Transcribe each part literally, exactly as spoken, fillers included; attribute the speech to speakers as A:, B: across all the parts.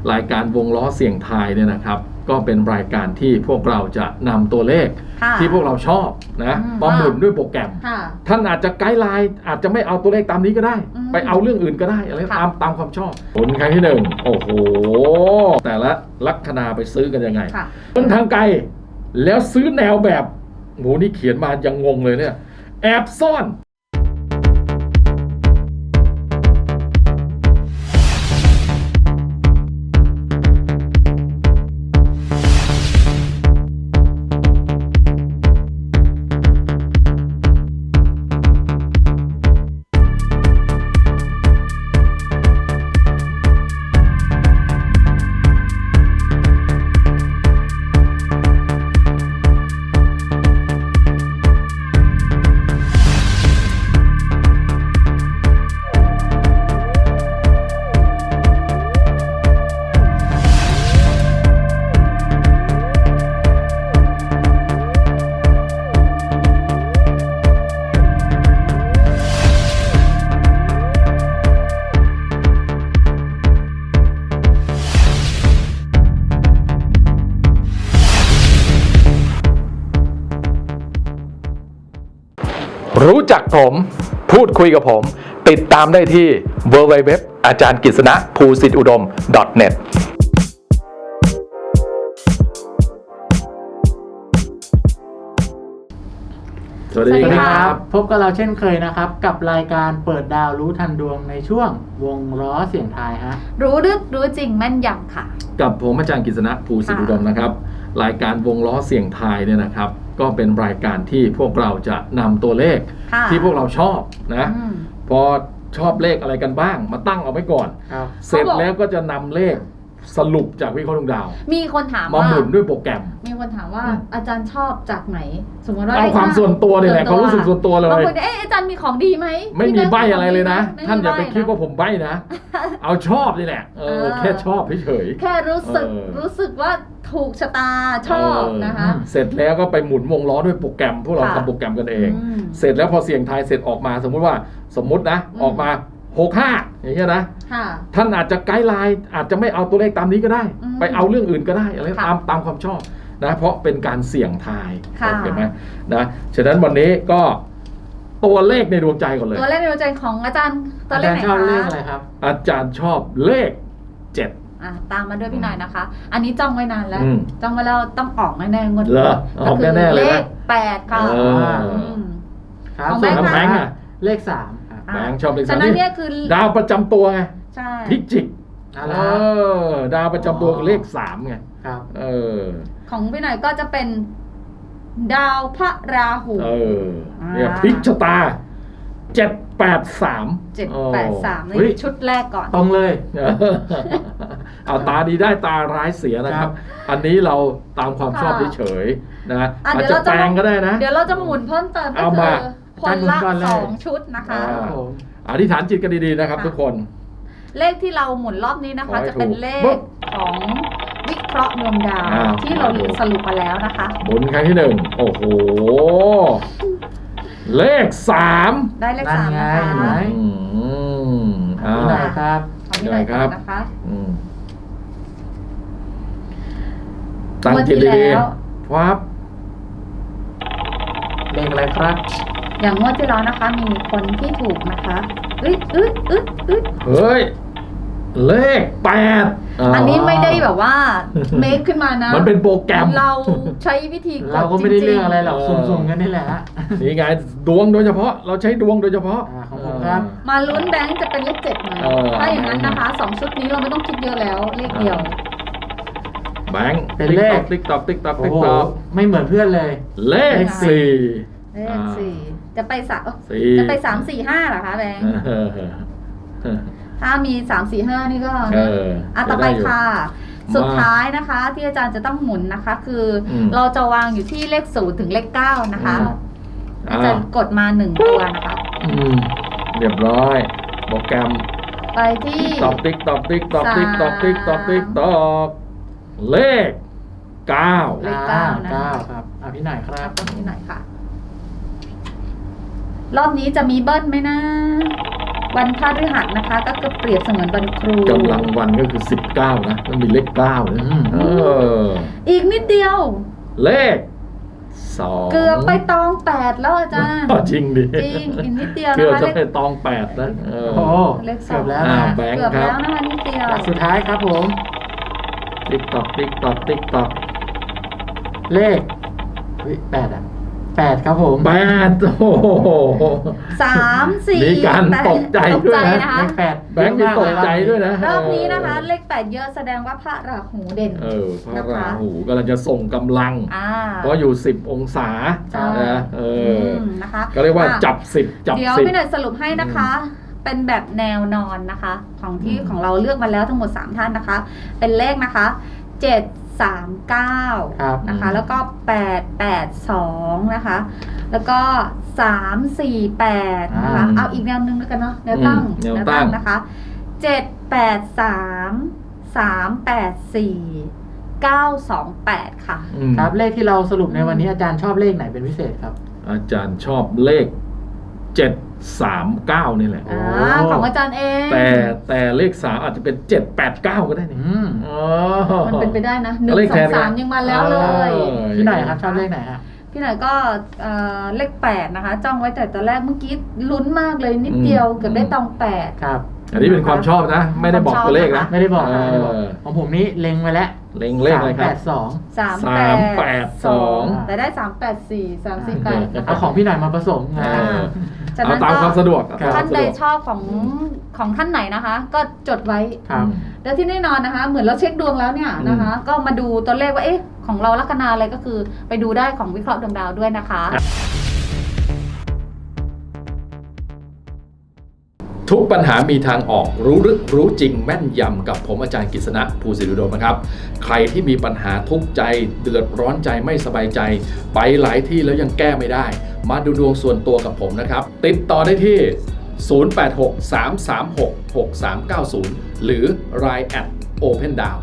A: รายการวงล้อเสี่ยงทายเนี่ยนะครับก็เป็นรายการที่พวกเราจะนำตัวเลขที่พวกเราชอบนะมาหมุนด้วยโปรแกรมท่านอาจจะไกด์ไลน์อาจจะไม่เอาตัวเลขตามนี้ก็ได้ไปเอาเรื่องอื่นก็ได้อะไรตามตามความชอบผลครั้งที่หนึ่งโอ้โหแต่ละลัคนาไปซื้อกันยังไงต้นทางไกลแล้วซื้อแนวแบบโหนี่เขียนมายังงงเลยเนี่ยแอบซ่อนรู้จักผมพูดคุยกับผมติดตามได้ที่ ดับเบิลยู ดับเบิลยู ดับเบิลยู ดอท อาจารย์กฤษณะ ภูสิทธิอุดม ดอท เน็ต สวัสดีครับ
B: พบกับเราเช่นเคยนะครับกับรายการเปิดดาวรู้ทันดวงในช่วงวงล้อเสียงทายฮะ
C: รู้ลึกรู้จริงแม่นยำค่ะ
A: กับผมอาจารย์กฤษณะ ภูสิทธิอุดมนะครับรายการวงล้อเสียงทายเนี่ยนะครับก็เป็นรายการที่พวกเราจะนำตัวเลขที่พวกเราชอบนะพอชอบเลขอะไรกันบ้างมาตั้งเอาไว้ก่อนเสร็จแล้วก็จะนำเลขสรุปจากวิเคราะห์ดวงดาว
C: มีคนถาม
A: มาหมุนด้วยโปรแกรม
C: มีคนถามว่าอาจารย์ชอบจากไหนสมมติว่า
A: เอาความส่วนตัวเลยแหละความรู้สึกส่วนตัวเลย
C: บางคนเอ๊ะอาจารย์มีของดีไหม
A: ไม่มีใบอะไรเลยนะท่านอย่าไปคิดว่าผมใบนะเอาชอบนี่แหละเออแค่ชอบเฉย
C: แค่รู้สึกรู้สึกว่าถูกชะตาชอบนะคะ
A: เสร็จแล้วก็ไปหมุนวงล้อด้วยโปรแกรมพวกเราทำโปรแกรมกันเองเสร็จแล้วพอเสี่ยงทายเสร็จออกมาสมมุติว่าสมมุตินะออกมาหกห้าอย่างเงี้ยนะท่านอาจจะไกด์ไลน์อาจจะไม่เอาตัวเลขตามนี้ก็ได้ไปเอาเรื่องอื่นก็ได้อะไรตามตามความชอบนะเพราะเป็นการเสี่ยงทายเห็นไหมนะฉะนั้นวันนี้ก็ตัวเลขในดวงใจก่อนเลย
C: ตัวเลขในดวงใจของอาจารย์ตัวเลขไหนคะ
B: ชอบเลขอะไรครับ
A: อาจารย์ชอบเลขเจ็ด
C: อ่ะตามมาด้วยพี่หน่อยนะคะอันนี้จ้องไว้นานแล้วจ้องไว้แล้วต้องออกแน่ๆงวด
A: นี้ออกแน่ๆเลย
C: เลขแปดค่ะ
B: ของแบงค์แบงค์อะเลขสาม
A: แบงค์ชอบเลขสามนี่ดาวประจำตัวไงพิจิกเออดาวประจำตัวเลขสามไง
B: ครับเอ
A: อ
C: ของพี่หน่อยก็จะเป็นดาวพระราหู
A: เออเนี่ยพลิกชะตาเจ็ดแปดสาม
C: เจ็ดแปดสามในชุดแรกก่อน
B: ตรงเลย
A: เอาตาดีได้ตาร้ายเสียนะครับอันนี้เราตามความชอบเฉยๆนะอาจจะแปลงก็ได้นะ
C: เดี๋ยวเราจะหมุนเพิ่มเติมก็คือคนละสองชุดนะคะ
A: อธิษฐานจิตกันดีๆนะครับทุกคน
C: เลขที่เราหมุนรอบนี้นะคะจะเป็นเลขของวิเคราะห์ดวงดาวที่เราสรุปมาแล้วนะคะ
A: หมุนครั้งที่หนึ่งโอ้โหเลขสาม
C: ได้เลขสามนะคะ
B: นี่หน่อยครับ
C: นี่หน่อยครับนะคะ
A: ตั้งจิตดีๆครับ
B: เลขอะไรครับ
C: อย่างงวดที่แล้วนะคะมีคนที่ถูกนะคะอึ๊ดอึ๊ดอึ๊ดอึ๊ด
A: เฮ้ยเลขแปด
C: อันนี้ไม่ได้แบบว่าเมคขึ้นมานะ
A: มันเป็นโปรแกรม
C: เราใช้วิธี
B: เราก็ไม่ได้เรื่องอะไรหรอกสุ่มๆกันนี่แหละ
A: นี่ไงดวงโดยเฉพาะเราใช้ดวงโดยเฉพาะ
B: ของผมครับ
C: มาลุ้นแบงค์จะเป็นเลขเจ็ดไหมถ้าอย่างนั้นนะคะสองชุดนี้เราไม่ต้องคิดเยอะแล้วเลขเดียว
A: แบงค์
B: เป็นเลข
A: ติ๊กตอกติ๊กตอกติ๊กตอก
B: ไม่เหมือนเพื่อนเลย
A: เลขสี่
C: เลขสี่จะไปสามจะไปสามสี่ห้าเหรอคะแบงค์ถ้ามีสามสี่ห้านี่ก็อ่ะต่อไปค่ะสุดท้ายนะคะที่อาจารย์จะต้องหมุนนะคะคือเราจะวางอยู่ที่เลขศูนย์ถึงเลขเก้านะคะอาจารย์กดมาหนึ่งตัวนะคะ
A: เรียบร้อยโปรแกรม
C: ไปที่
A: ตอกติ๊กตอกติ๊กตอกติ๊กตอกติ๊กตอกติ๊กตอกเลขเก้า
C: เลขเก้านะ
B: ครับอ่ะพี่หน่อยครับ
C: พี่หน่อยค่ะรอบนี้จะมีเบิ้ลไหมนะวันพฤหัสนะคะ ก็คือเปรียบเสมือนวันครู
A: กำลังวันก็คือสิบเก้านะมันมีเลขเก้านะ
B: อืม
A: เออ
C: อีกนิดเดียว
A: เลขสอง
C: เกือบไปตองแปดแล้วอาจารย์
A: อ๋อจริงดิ
C: จริงอีกนิดเดียว
A: เกือบ
C: นะคะ
A: จะ
C: เลข
A: ไปตองแปดนะเออ
B: โอ้โห
C: เลขส
B: เกื
C: อ
B: อง บแล้ว
A: อ่า
B: นะ
A: แบงค์
C: เกือบ
A: ครั
C: แล้
A: บ
C: วนะคะนิดเดียว
B: หลักสุดท้ายครับผม
A: ติ๊กตอกติ๊กตอกติ๊กตอก
B: เลขอุ๊ยแปดอ่ะแปดครับผม
A: แปดโอ้โห
C: สามสี่
A: มีการ
C: แปด
A: ตกใจด้วยนะ
C: ตกใจนะคะ
B: เลขแปด
A: แบงค์มีตกใจด้วยนะ
C: รอบนี้นะคะ เลขแปดเยอะแสดงว่าพระราหูเด่น
A: เออพระราหูกำลังจะส่งกำลัง
C: อ่า
A: เพราะอยู่สิบองศา
C: ใช่
A: นะเอออ
C: มนะคะ
A: ก็เรียกว่า
C: อ่ะ
A: จับสิบจับ
C: เดี๋ยว
A: สิบ
C: พี่หน่อยสรุปให้นะคะ เป็นแบบแนวนอนนะคะ ของที่
A: อืม
C: ของเราเลือกมาแล้วทั้งหมดสามท่านนะคะ เป็นเลขนะคะเจ็ดสามเก้า
B: ครับ
C: นะคะ แล้วก็แปดแปดสองนะคะ แล้วก็สามสี่แปดนะคะ
B: อ่า
C: เอาอีกแนวนึงแล้วกันเนาะแนวตั้ง
A: อืมแนวตั้ง
C: นะคะเจ็ดแปดสามสามแปดสี่เก้าสองแปดค่ะ
A: อืม
B: ครับเลขที่เราสรุปในวันนี้อาจารย์ชอบเลขไหนเป็นพิเศษครับ
A: อาจารย์ชอบเลขเจ็ดสามเก้านี่แหละ
C: อ่าของอาจารย์เอง
A: แต่แต่เลขสามอาจจะเป็นเจ็ดแปดเก้าก็ได้นี่
B: อืม
A: อ๋อ
C: มันเป็นไปได้นะหนึ่ง
A: เลข
C: ส
A: แท
C: อน ง
A: กัน
C: สามยังมาแล้วเลย
A: เออ
B: พี่หน่อยครับชอบเลขไหนฮะ
C: พี่หน่อยก็เอ่อเลขแปดนะคะ จ้องไว้แต่ตอนแรกเมื่อกี้ลุ้นมากเลยนิดเดียวเกือบได้ตองแปด
B: ครับ
A: อันนี้เป็นความชอบนะ ไม่ได้บอกตัวเลขนะ
B: ไม่ได้บอกนะ
A: เออ
B: ไม่ได้บอกของผมนี่เล็งไว้แล้ว
A: เล็งเลขอะไรค
B: แป
A: รับ
B: ดสอง
C: สาม
A: สามแปดสอง
C: แต่ได้สามแปดสี่สามสี่แปดนะ
B: เอา
C: คะ
B: ของพี่หน่อยมาผสมนะ
A: เออ
C: ฉะ
A: เอา
C: นั้น
A: ตาม
C: ก็
A: ความสะดวก
B: ครับ
C: ท่านใด
A: ตมควมสะวก
C: ชอบของของท่านไหนนะคะ ก็จดไว้
B: ครับ
C: แล้วที่แน่นอนนะคะ เหมือนเราเช็คดวงแล้วเนี่ยนะคะ ก็มาดูตัวเลขว่าเอ๊ะของเราลัคนาอะไรก็คือไปดูได้ของวิเคราะห์ดวงดาวด้วยนะคะ
A: ทุกปัญหามีทางออกรู้ลึกรู้จริงแม่นยำกับผมอาจารย์กฤษณะภูสิริอุดมนะครับ ใครที่มีปัญหาทุกข์ใจเดือดร้อนใจไม่สบายใจ ไปหลายที่แล้วยังแก้ไม่ได้ มาดูดวงส่วนตัวกับผมนะครับ ติดต่อได้ที่ ศูนย์ แปด หก สาม สาม หก หก สาม เก้า ศูนย์ หรือ ไลน์ แอท โอเพนดาว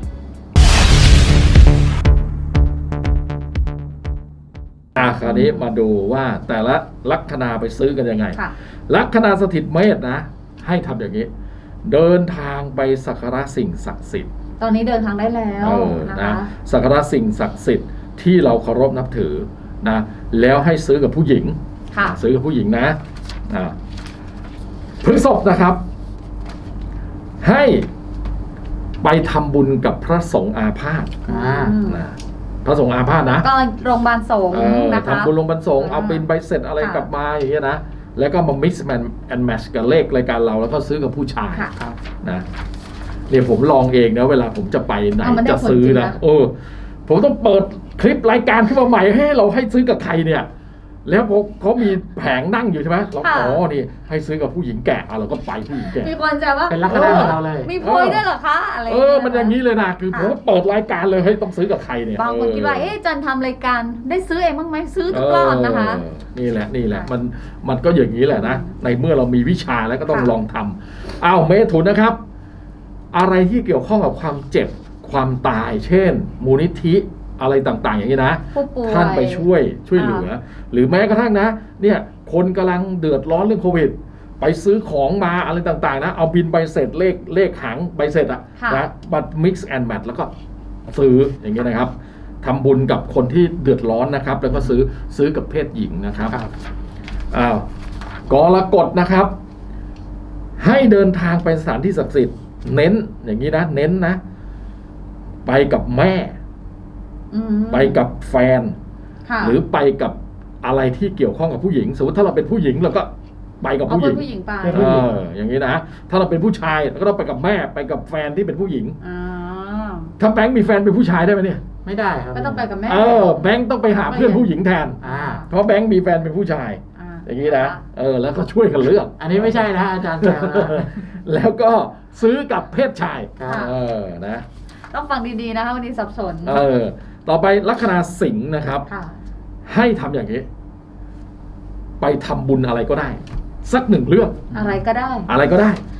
A: อ่ะคราวนี้มาดูว่าแต่ละลัคนาไปซื้อกันยังไง
C: ค่ะ
A: ลัคนาสถิตเมษนะ ให้ทำอย่างนี้ เดินทางไปสักการะสิ่งศักดิ์สิทธิ์
C: ตอนนี้เดินทางได้แล้ว
A: เออ
C: นะ
A: นะคะ สักการะสิ่งศักดิ์สิทธิ์ที่เราเคารพนับถือนะแล้วให้ซื้อกับผู้หญิง
C: ค่ะ
A: ซื้อกับผู้หญิงนะอ่าพฤษภนะครับ ให้ไปทำบุญกับพระสงฆ์อาพาธ
B: อ่า
C: อืม
A: นะพระสงฆ์อาพาธนะ
C: ก็โรงพยาบาลสงฆ์
A: เออ
C: นะคะ
A: ทำบุญลงบรรสงฆ์
C: อ่า
A: เอาเป็นใบเสร็จอะไร
C: ค่ะ
A: กลับมาอย่างเงี้ยนะ แล้วก็มา mix and match กับเลขรายการเราแล้วก็ซื้อกับผู้ชาย
C: ค่ะ
B: ครับ
A: นะเนี่ยผมลองเองนะเวลาผมจะไปไหน
C: เอามันได้
A: จะซื้อ
C: ผลจริง
A: นะ
C: นะ
A: เออผมต้องเปิดคลิปรายการขึ้นมาใหม่ให้เราให้ซื้อกับใครเนี่ย แล้วพอเขามีแผงนั่งอยู่ใช่ไหมเราอ๋อนี่ให้ซื้อกับผู้หญิงแก่อ่ะเราก็ไปผู้หญิงแก่
C: มีคนจะว่า
B: เป็นลัคนาของเราเลย
C: มีโพยด้วยเหรอคะอะไร
A: เออมันอย่างนี้เลยนะคือผมก็เปิดรายการเลยให้ต้องซื้อกับใครเนี่ย
C: บางคนคิดว่า
A: เออ
C: เอ๊ะจันทำรายการได้ซื้อเองบ้างไหมซื้อทุกรอบนะคะ
A: เออนี่แหละนี่แหละ
C: ค่ะ
A: มันมันก็อย่างนี้แหละนะ ในเมื่อเรามีวิชาแล้วก็ต้อง
C: ค่ะ
A: ลองทำอ้าวเมถุนนะครับ อะไรที่เกี่ยวข้องกับความเจ็บความตาย เช่น มูลนิธิอะไรต่างๆ อย่างนี้นะ
C: ผู้ป่วย
A: ท่านไปช่วยช่วยเหลือ หรือแม้กระทั่งนะ เนี่ยคนกำลังเดือดร้อนเรื่องโควิด ไปซื้อของมาอะไรต่างๆนะ เอาบินใบเสร็จเลขเลขหางใบเสร็จอะ
C: ค่ะ
A: นะบัตร mix and match แล้วก็ซื้ออย่างเงี้ยนะครับทำบุญกับคนที่เดือดร้อนนะครับ แล้วก็ซื้อซื้อกับเพศหญิงนะครับ
B: ครับ
A: อ้าวกรกฎนะครับ ให้เดินทางไปสถานที่ศักดิ์สิทธิ์เน้นอย่างนี้นะเน้นนะ ไปกับแม่
C: อืม
A: ไปกับแฟน
C: ค่ะ
A: หรือไปกับอะไรที่เกี่ยวข้องกับผู้หญิง สมมติถ้าเราเป็นผู้หญิงเราก็ไปกับ
C: เอา
A: ผู้ห
C: เพื่
A: ญิ
C: อง นผู้หญิงไป
B: เป็น
A: เอออย่างนี้นะถ้าเราเป็นผู้ชายเราก็ต้องไปกับแม่ไปกับแฟนที่เป็นผู้หญิง
C: อ่า
A: ถ้าแบงค์มีแฟนเป็นผู้ชายได้ไหมเนี่ย
B: ไม่ได้ครับ
C: ก็ต้องไปกับแม่
A: เออแบงค์ต้องไปหาเพื่อนผู้หญิงแทน
B: อ่า
A: เพราะแบงค์มีแฟนเป็นผู้ชาย
C: อ่า
A: อย่างนี้นะเออแล้วก็ช่วยกันเลือก
B: อันนี้ไม่ใช่นะอาจารย์แซวนะ
A: แล้วก็ซื้อกับเพศชาย
B: ครับ
A: เออนะ
C: ต้องฟังดีๆนะคะวันนี้สับสน
A: เออต่อไปลัคนาสิงห์นะครับ
C: ค่ะ
A: ให้ทำอย่างนี้ ไปทำบุญอะไรก็ได้ สักหนึ่งเรื่อง
C: อะไรก็ได้
A: อะไรก็ได้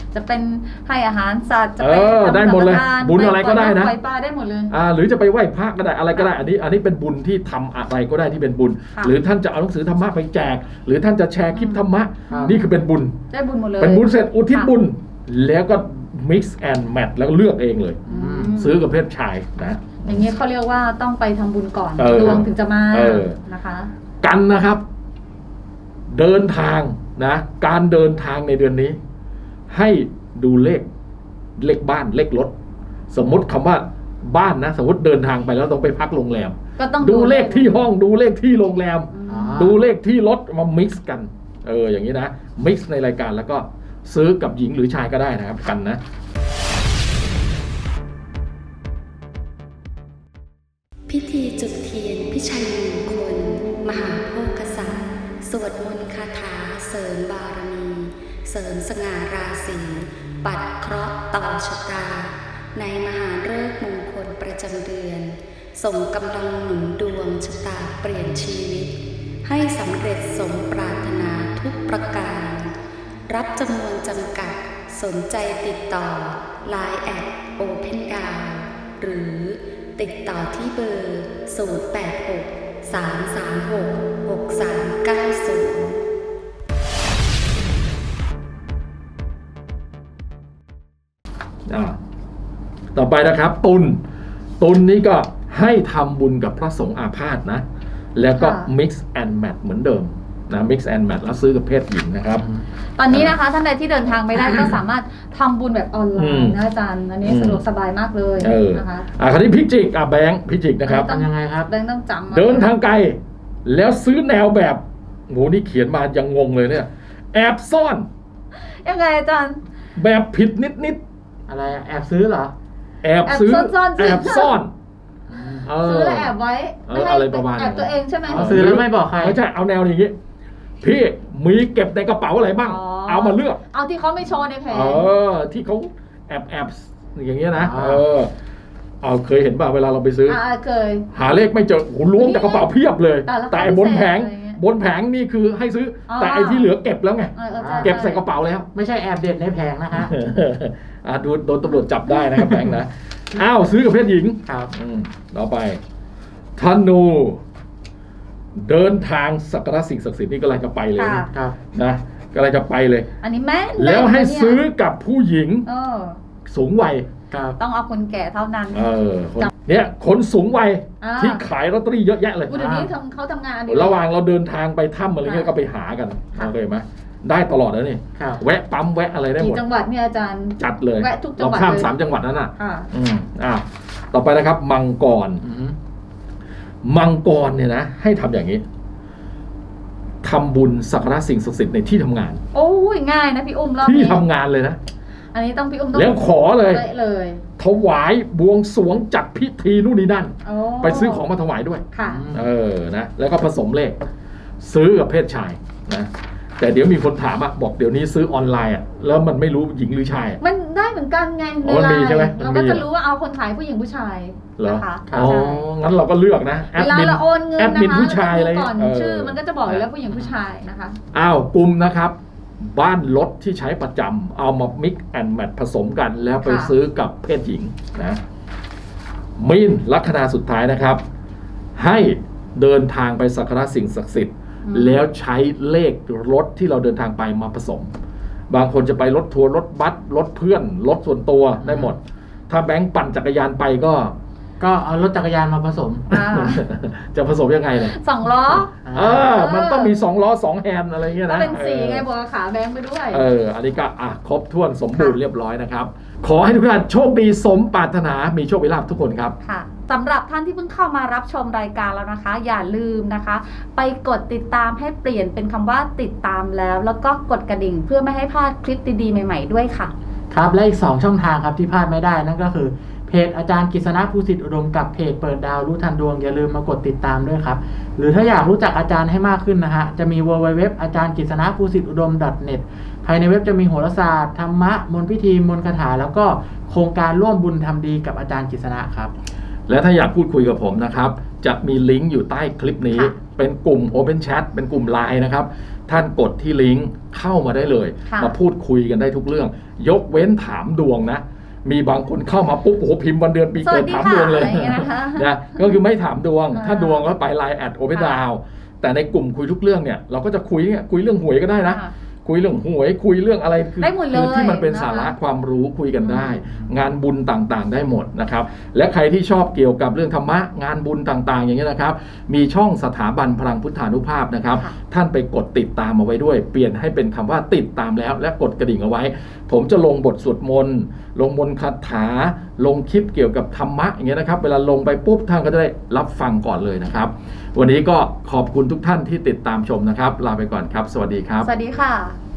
C: จะเป็นให้อาหารสัตว์จะ
A: เอ
C: เป็น
A: อได้หมดเลย
C: ทำสังฆทาน
A: บุญอะไรก็ได้นะ
C: ปล่อยปลาได้หมดเลย
A: อ่าหรือจะไปไหว้พระก็ได้อะไรก็ได้อันนี้อันนี้เป็นบุญที่ทำอะไรก็ได้ที่เป็นบุญ
C: ค่ะ
A: หรือท่านจะเอาหนังสือธรรมะไปแจก หรือท่านจะแชร์คลิปธรรมะ
B: ครับ
A: นี่คือเป็นบุญ
C: ได้บุญหมดเลย
A: เป็นบุญเสร็จอุทิศ
C: ค่ะ
A: บุญแล้วก็ mix and match แล้วก็เลือกเองเลย
C: อืม
A: ซื้อกับเพศชายนะ
C: อย่างนี้เขาเรียกว่าต้องไปทำบุญก่อน
A: เออ
C: ดวงถึงจะมา
A: เออ
C: นะคะ
A: กันนะครับ เดินทางนะการเดินทางในเดือนนี้ ให้ดูเลขเลขบ้านเลขรถสมมติคำว่าบ้านนะสมมติเดินทางไปแล้วต้องไปพักโรงแรม
C: ก็ต้อง
A: ดูเลขที่ห้องดูเลขที่โรงแรม
C: อืม
A: ดูเลขที่รถมา mix กัน เอออย่างนี้นะ mix ในรายการแล้วก็ซื้อกับหญิงหรือชายก็ได้นะครับกันนะ
D: พิธีจุดเทียนพิชัยมงคล มหาโภคศาสตร์สวดมนต์คาถาเสริมบารมี เสริมสง่าราศีปัดเคราะห์ต่อชะตา ในมหาฤกษ์มงคลประจำเดือน ส่งกำลังหนุนดวงชะตาเปลี่ยนชีวิต ให้สำเร็จสมปรารถนาทุกประการ รับจำนวนจำกัดสนใจติดต่อ ไลน์ แอท โอเพนดาว หรือติดต่อที่เบอร์ ศูนย์ แปด หก สาม สาม หก หก สาม เก้า ศูนย์
A: อ่าต่อไปนะครับตุลตุลนี้ก็ให้ทำบุญกับพระสงฆ์อาพาธนะแล้วก็
C: ค่ะ
A: mix and match เหมือนเดิมนะ mix and match แล้วซื้อกับเพศหญิงนะครับ
C: ตอนนี้นะคะท่านใดที่เดินทางไม่ได้ ก็สามารถทำบุญแบบออนไล
A: อืม
C: น์นะอาจารย์อันนี้
A: อืม
C: สะดวกสบายมากเลย
A: เออ
C: นะคะ
A: อ่าคราวนี้พิจิกอ่ะแบงค์พิจิกนะครับ
C: ต้
B: ทำยังไงครับ
C: แบงค์ต้องจำ
A: เดินทางไกลแล้วซื้อแนวแบบโหนี่เขียนมายังงงเลยเนี่ย แอบซ่อน
C: ยังไงอาจารย์
A: แบบผิดนิดนิด
B: อะไรอะแอบซื้อเหรอ
A: ๆแอบซื้อ
C: แอบซ่อนๆ
A: แอบซ่อนเ
C: ซื้อแล้วแอบไว้
A: เออ
C: ไม่ให้
A: อะไรประมาณ
C: แอบตัวเองใช่ไหม
B: อ๋อซื้อแล้วไม่บอกใคร
A: ไม่ใช่เอาแนวอย่างงี้พี่มีเก็บในกระเป๋าอะไรบ้าง
C: อ๋อ
A: เอามาเลือก
C: เอาที่เขาไม่โชว์ในแผง
A: เออที่เขาแอบแอบอย่างเงี้ยนะ
B: อ่า
A: เออเอาเคยเห็นป่ะเวลาเราไปซื้ออ
C: อ่าเคย
A: หาเลขไม่เจอโอ้โหล้วงจากกระเป๋าเพียบเลย
C: แต่ละ
A: แต่ไอ้บนแผง
C: พิเศษอะไรเงี้ย
A: บนแผงนี่คือให้ซื้ออ
C: อ
A: แต่ไอ้ที่เหลือเก็บแล้วไง
C: เออเออใช่
A: เก็บใส่กระเป๋าแล้ว
B: ไม่ใช่แอบเด็ดในแผงนะฮะ
A: อ่ะดูโดนตำรวจจับได้นะครับแบงค์นะอ้าวซื้อกับเพศหญิง
B: ครับ
A: อืมต่อไปธนู เดินทางสักการะสิ่งศักดิ์สิทธิ์นี่ก็เลยจะไปเลย
C: ค่ะ
A: นะครับ นะก็เลยจะไปเลย
C: อันนี้แม่น
A: แล้วให้
C: ม่นนะเนี่ย
A: ซื้อกับผู้หญิง
C: เออ
A: สูงวัย
B: ครับ
C: ต้องเอาคนแก่เท่านั้น
A: เออคนเนี่ยคนสูงวัย
C: อ่า
A: ที่ขายลอตเตอรี่เยอะแยะเลย
C: อุ๊ยเดี๋ยวนี้ทำเขาทำงานอันนี้
A: ระหว่างเราเดินทางไปถ้ำอะไรเงี้ย
C: ค่ะ
A: ก็ไปหากัน
C: ค่ะ
A: โอเคไหมได้ตลอดแล้วนี่
B: ครับ
A: แวะปั๊มแวะอะไรได้หม
C: กี่
A: ด
C: จังหวัดเนี่ยอาจารย์
A: จัดเลย
C: แวะทุกจัง
A: เรา
C: หวัด
A: ข้าม
C: เลย
A: สามจังหวัดนั้นน่ะ
C: ค่ะ
A: อืมอ่าต่อไปนะครับ มังกร
B: อืม
A: มังกรเนี่ยนะให้ทำอย่างนี้ทำบุญสักการะสิ่งศักดิ์สิทธิ์ในที่ทำงาน
C: โอ้ยง่ายนะพี่อุ้มรอบ
A: ที่
C: นี้
A: ทำงานเลยนะ
C: อันนี้ต้องพี่อุ้มต้อง
A: แล้วขอเลย
C: ป๊ะเลย
A: ถวายบวงสรวงจัดพิธีนู่นนี่นั่น
C: โอ้
A: ไปซื้อของมาถวายด้วย
C: ค่ะ
A: เออนะแล้วก็ผสมเลข ซื้อกับเพศชายนะแต่เดี๋ยวมีคนถามอะบอกเดี๋ยวนี้ซื้อออนไลน์อะแล้วมันไม่รู้หญิงหรือชายอะ
C: มันได้เหมือนกันไง
A: อ๋อมันมีใช่ไหม
C: เรา
A: มันมี
C: ก็จะรู้ว่าเอาคนขายผู้หญิงผู้ชาย
A: เหรอ
C: นะคะ
A: อ๋อ
C: ใช่
A: งั้นเราก็เลือกนะแอ
C: เว
A: ด
C: ลา
A: มิน
C: เราโอนเงิน
A: แอด
C: นะ
A: มิน
C: คะ
A: ผู้ชายอะไร
C: ก่อน
A: เออ
C: ชื่อมันก็จะบอกอยู่แล้วผู้หญิงผู้ชายนะคะ
A: อ้าวกลุ่มนะครับ บ้านรถที่ใช้ประจำเอามา mix and match ผสมกันแล้วไป
C: ค่ะ
A: ซื้อกับเพศหญิงนะมีนลัคนาสุดท้ายนะครับ ให้เดินทางไปสักการะสิ่งศักดิ์สิทธิ์
C: อืม
A: แล้วใช้เลขรถที่เราเดินทางไปมาผสม บางคนจะไปรถทัวร์รถบัสรถเพื่อนรถส่วนตัวได้หมด ถ้าแบงค์ปั่นจักรยานไปก็
B: ก็เอารถจักรยานมาผสม
C: อ่า
A: จะผสมยังไงเนี่ย
C: สองล้อ
A: เออ มันต้องมีสองล้อสองแฮนด์อะไรเงี้ย
C: ก็
A: นะ
C: เป็นสีไง
A: เออ
C: บอกขาแบงค์ไปด้วย
A: เออ อันนี้ก็อ่ะครบถ้วนสมบูรณ์เรียบร้อยนะครับ ขอให้ทุกท่านโชคดีสมปรารถนา มีโชคมีลาภทุกคนครับ
C: ค่ะสำหรับท่านที่เพิ่งเข้ามารับชมรายการแล้วนะคะ อย่าลืมนะคะ ไปกดติดตามให้เปลี่ยนเป็นคำว่าติดตามแล้ว แล้วก็กดกระดิ่งเพื่อไม่ให้พลาดคลิปดีๆใหม่ๆด้วยค่ะ
B: ครับและอีกสองช่องทางครับที่พลาดไม่ได้นั่นก็คือเพจอาจารย์กฤษณะภูสิทธิอุดมกับเพจเปิดดาวรู้ทันดวงอย่าลืมมากดติดตามด้วยครับหรือถ้าอยากรู้จักอาจารย์ให้มากขึ้นนะฮะจะมี ดับเบิลยู ดับเบิลยู ดับเบิลยู ดอทอาจารย์กฤษณะภูสิทธิอุดม .เน็ต ภายในเว็บจะมีโหราศาสตร์ธรรมะมนต์พิธีมนต์คาถาแล้วก็โครงการร่วมบุญทำดีกับอาจารย์กฤษณะครับ
A: และถ้าอยากพูดคุยกับผมนะครับ จะมีลิงก์อยู่ใต้คลิปนี้
C: ค่ะ
A: เป็นกลุ่ม Open Chat เป็นกลุ่ม ไลน์ นะครับท่านกดที่ลิงก์เข้ามาได้เลยมาพูดคุยกันได้ทุกเรื่องยกเว้นถามดวงนะมีบางคนเข้ามาปุ๊บโอ้โหพิมพ์วันเดือนปีเกิดถามดวงเลยนะก็คือไม่ถามดวงถ้าดวงก็ไปไลน์แอดโอเปดาวแต่ในกลุ่มคุยทุกเรื่องเนี่ยเราก็จะคุยคุยเรื่องหวยก็ได้นะคุยเรื่องหวยคุยเรื่องอะไรคือคือที่มันเป็นสาระความรู้คุยกันได้งานบุญต่างๆได้หมดนะครับและใครที่ชอบเกี่ยวกับเรื่องธรรมะงานบุญต่างๆอย่างนี้นะครับมีช่องสถาบันพลังพุทธานุภาพนะครับท่านไปกดติดตามเอาไว้ด้วยเปลี่ยนให้เป็นคำว่าติดตามแล้วและกดกระดิ่งเอาไว้ผมจะลงบทสวดมนต์ลงมนต์คาถาลงคลิปเกี่ยวกับธรรมะอย่างเงี้ยนะครับเวลาลงไปปุ๊บท่านก็จะได้รับฟังก่อนเลยนะครับวันนี้ก็ขอบคุณทุกท่านที่ติดตามชมนะครับลาไปก่อนครับสวัสดีครับ
C: สวัสดีค่ะ